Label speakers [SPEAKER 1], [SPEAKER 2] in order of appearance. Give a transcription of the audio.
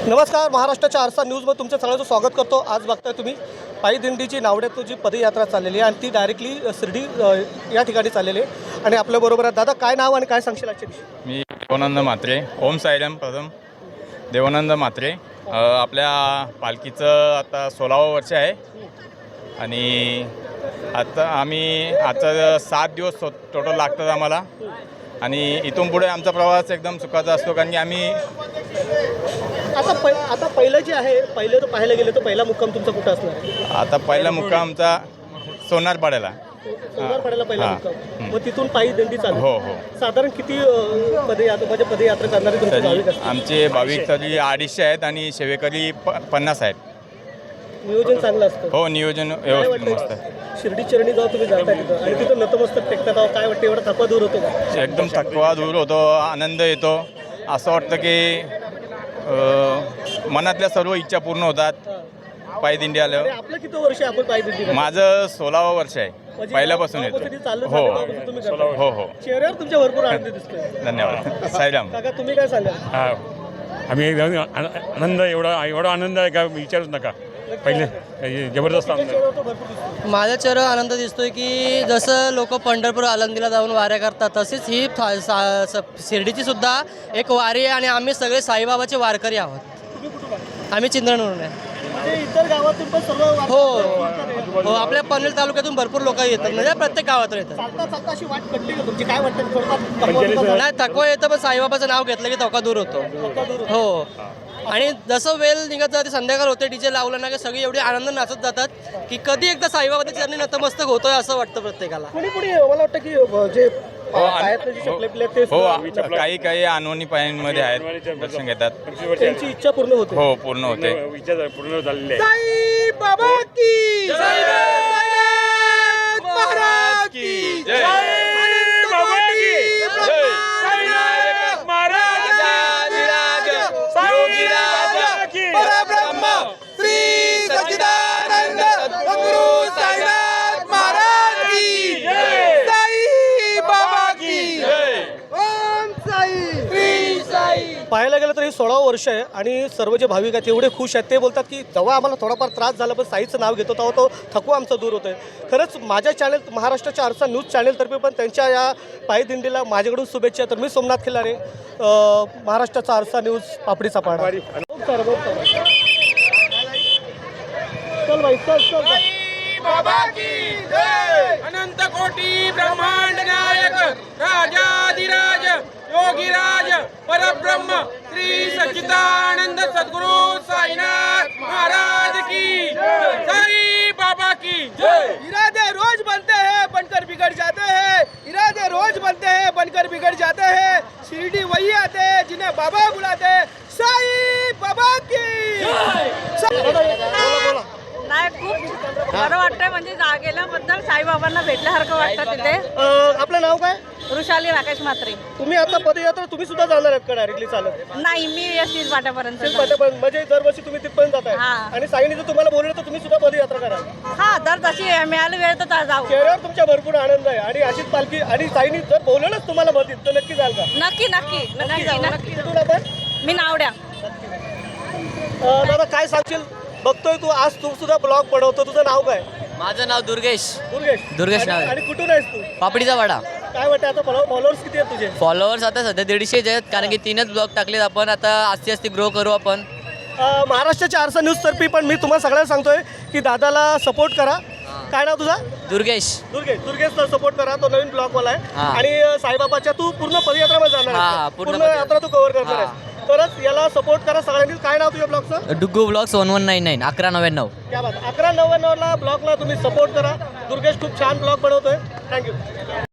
[SPEAKER 1] नमस्कार, महाराष्ट्राच्या आरसा न्यूजमध्ये तुमचं सगळ्यांचं स्वागत करतो। आज बघताय तुम्ही पायी दिंडीची नावड्यातून जी पदयात्रा चाललेली आहे आणि ती डायरेक्टली शिर्डी या ठिकाणी चाललेली आहे। आणि आपल्याबरोबर आहे दादा, काय नाव आणि काय सांगशील आजच्या दिवशी?
[SPEAKER 2] मी देवानंद म्हात्रे, ओम साईराम प्रथम देवानंद म्हात्रे। आपल्या पालखीचं आता 16वं वर्ष आहे आणि आता आम्ही आता 7 दिवस टोटल लागतात आम्हाला आणि इथून पुढे आमचा प्रवास एकदम सुखाचा असतो, कारण की आम्ही
[SPEAKER 1] आता पहिलं जे आहे, पहिलं तर पाहायला गेलं तर पहिला मुक्काम तुमचा कुठं असणार आहे?
[SPEAKER 2] आता पहिला मुक्काम आमचा सोनारपाड्याला।
[SPEAKER 1] सोनारपाड्याला पहिला मुक्काम, मग तिथून पायी दिंडी चालू?
[SPEAKER 2] हो हो।
[SPEAKER 1] साधारण किती पदयात्रा करणारे तुमचे भाविक असतात?
[SPEAKER 2] आमचे भाविक तरी 250 आहेत आणि सेवेकरी 50 आहेत।
[SPEAKER 1] नियोजन चांगलं असतं?
[SPEAKER 2] हो, नियोजन व्यवस्थित मस्त आहे।
[SPEAKER 1] शिर्डी चरणी जाऊ तुम्ही जाता तिथं आणि तिथं नतमस्तक टेकतात, काय वाटतं, एवढा थकवा दूर होतो का?
[SPEAKER 2] एकदम थकवा दूर होतो, आनंद येतो। असं वाटतं की मनातल्या सर्व इच्छा पूर्ण होतात पायी दिंडी आल्यावर।
[SPEAKER 1] आपलं किती वर्ष आहे आपण पायी दिंडी?
[SPEAKER 2] माझं 16वं वर्ष आहे, पहिल्यापासून येतो। हो हो हो।
[SPEAKER 1] चेहऱ्यावर तुमच्या भरपूर आनंद दिसतोय।
[SPEAKER 2] धन्यवाद साईराम।
[SPEAKER 1] काका, तुम्ही काय सांगाल?
[SPEAKER 3] हा, आम्ही आनंद एवढा आनंद आहे का विचारूच नका। पहिले जबरदस्त आनंद आहे।
[SPEAKER 4] माझ्या चेहऱ्यावर आनंद दिसतोय की जसं लोक पंढरपूर आळंदीला जाऊन वाऱ्या करतात, तसेच ही शिर्डीची सुद्धा एक वारी आहे आणि आम्ही सगळे साईबाबाचे वारकरी आहोत। आम्ही चिंतनवरून आहे।
[SPEAKER 1] म्हणजे इतर गावातून पण सर्व
[SPEAKER 4] हो हो, आपल्या पनवेल तालुक्यातून भरपूर लोक येतात, म्हणजे प्रत्येक गावातून येतात।
[SPEAKER 1] चालता अशी वाट कटली का तुमची? काय वाटतं?
[SPEAKER 4] नाही, थकवा येतं, पण साईबाबाचं नाव घेतलं की थकवा दूर होतो। हो, आणि जसं वेळ निघत जाते, संध्याकाळ होते, डीजे लावलं ना की सगळी एवढी आनंद नाचत जातात की कधी एकदा साईबाबाच्या चरणी नतमस्तक होतोय असं वाटतं प्रत्येकाला।
[SPEAKER 1] कोणी मला वाटतं की जे पायातले जे चपले बिपले ते
[SPEAKER 2] हो, काही अनवणी पायांमध्ये आहेत, दर्शन घेतात,
[SPEAKER 1] त्यांची इच्छा पूर्ण होते।
[SPEAKER 2] हो पूर्ण होते।
[SPEAKER 3] विचार पूर्ण झालेले
[SPEAKER 1] साई बाबा की जय, महाराज की जय,
[SPEAKER 3] बाबा की जय, साईनाथ महाराज की
[SPEAKER 1] परब्रह्म श्री सच्चिदानंद सद्गुरु साईनाथ महाराज की जय, साई बाबा की जय, ओम साई श्री साई। पाहायला गेलं तर हे 16वं वर्ष आहे आणि सर्व जे भाविक आहेत एवढे खुश आहेत। ते बोलतात की जेव्हा आम्हाला थोडाफार त्रास झाला पण साईचं नाव घेतो तेव्हा तो थकवा आमचा दूर होतोय। खरंच माझ्या चॅनल, महाराष्ट्राच्या आरसा न्यूज चॅनलतर्फे पण त्यांच्या या पायी दिंडीला माझ्याकडून शुभेच्छा। तर मी सोमनाथ खिल्लारे, महाराष्ट्राचा आरसा न्यूज, पापडीचा पाडा। चल भाई, चल
[SPEAKER 5] बाबा की जय। अनंत कोटी ब्रह्मांड नायक राजाधिराज योगीराज परब्रह्म श्री सच्चिदानंद सद्गुरु साईनाथ महाराज की जय, साई बाबा की जय। इरादे रोज बनते हैं बनकर बिगड़ जाते हैं, इरादे रोज बनते हैं बनकर बिगड़ जाते हैं, शिरडी वही आते हैं जिन्हें बाबा बुलाते हैं, साई बाबा की
[SPEAKER 1] बोला।
[SPEAKER 6] नाही, खूप बरं वाटतंय, म्हणजे गेल्याबद्दल साईबाबांना भेटल्यासारखं वाटतं तिथे।
[SPEAKER 1] आपलं नाव काय?
[SPEAKER 6] वृषाली राकेश म्हात्रे।
[SPEAKER 1] तुम्ही आता पदयात्रा तुम्ही सुद्धा जाणार आहेत का डायरेक्टली चालत?
[SPEAKER 6] नाही, मी यशनीच वाट्यापर्यंत
[SPEAKER 1] म्हणजे दरवर्षी तुम्ही तिथपर्यंत जाताय
[SPEAKER 6] हा।
[SPEAKER 1] आणि साईने जर तुम्हाला बोललं तर तुम्ही सुद्धा पदयात्रा करा?
[SPEAKER 6] हा, दर जशी मिळाली वेळ तर जाऊ।
[SPEAKER 1] चेहऱ्यावर तुमच्या भरपूर आनंद आहे आणि अशीच पालखी आणि साईने जर बोलवलंच तुम्हाला मदत तर नक्की जाल का?
[SPEAKER 6] नक्की नक्की नक्की जाऊ, नक्की।
[SPEAKER 1] कुठून आपण?
[SPEAKER 6] मी नावड्या।
[SPEAKER 1] दादा, काय सांगशील? बघतोय तू, आज तू सुद्धा ब्लॉग बनवतो, तुझं नाव काय?
[SPEAKER 4] माझं नाव दुर्गेश
[SPEAKER 1] दुर्गेश
[SPEAKER 4] नाव आहे।
[SPEAKER 1] आणि कुठून आहेस तू?
[SPEAKER 4] पापडीचा वाडा।
[SPEAKER 1] काय वाटतं आता फॉलोअर्स किती आहेत तुझे?
[SPEAKER 4] फॉलोअर्स आता सध्या 150 आहेत, कारण की 3च ब्लॉग टाकलेत आपण। आता आस्ते ग्रो करू आपण।
[SPEAKER 1] महाराष्ट्राच्या आरसा न्यूज तर्फे पण मी तुम्हाला सगळ्यांना सांगतोय की दादाला सपोर्ट करा। काय नाव तुझा? दुर्गेशला सपोर्ट करा, तो नवीन ब्लॉगवाला आहे आणि साईबाबाच्या तू पूर्ण पदयात्रामध्ये जाणार आहे, पूर्ण यात्रा तू कव्हर करणार आहे, तरच याला सपोर्ट करा सगळ्यांनी। काय नाव तुझ्या ब्लॉगचं?
[SPEAKER 4] डुग्गू ब्लॉग्स 1199 1199।
[SPEAKER 1] क्या बात, 1199ला ब्लॉगला तुम्ही सपोर्ट करा। दुर्गेश खूप छान ब्लॉग बनवतोय। थँक्यू।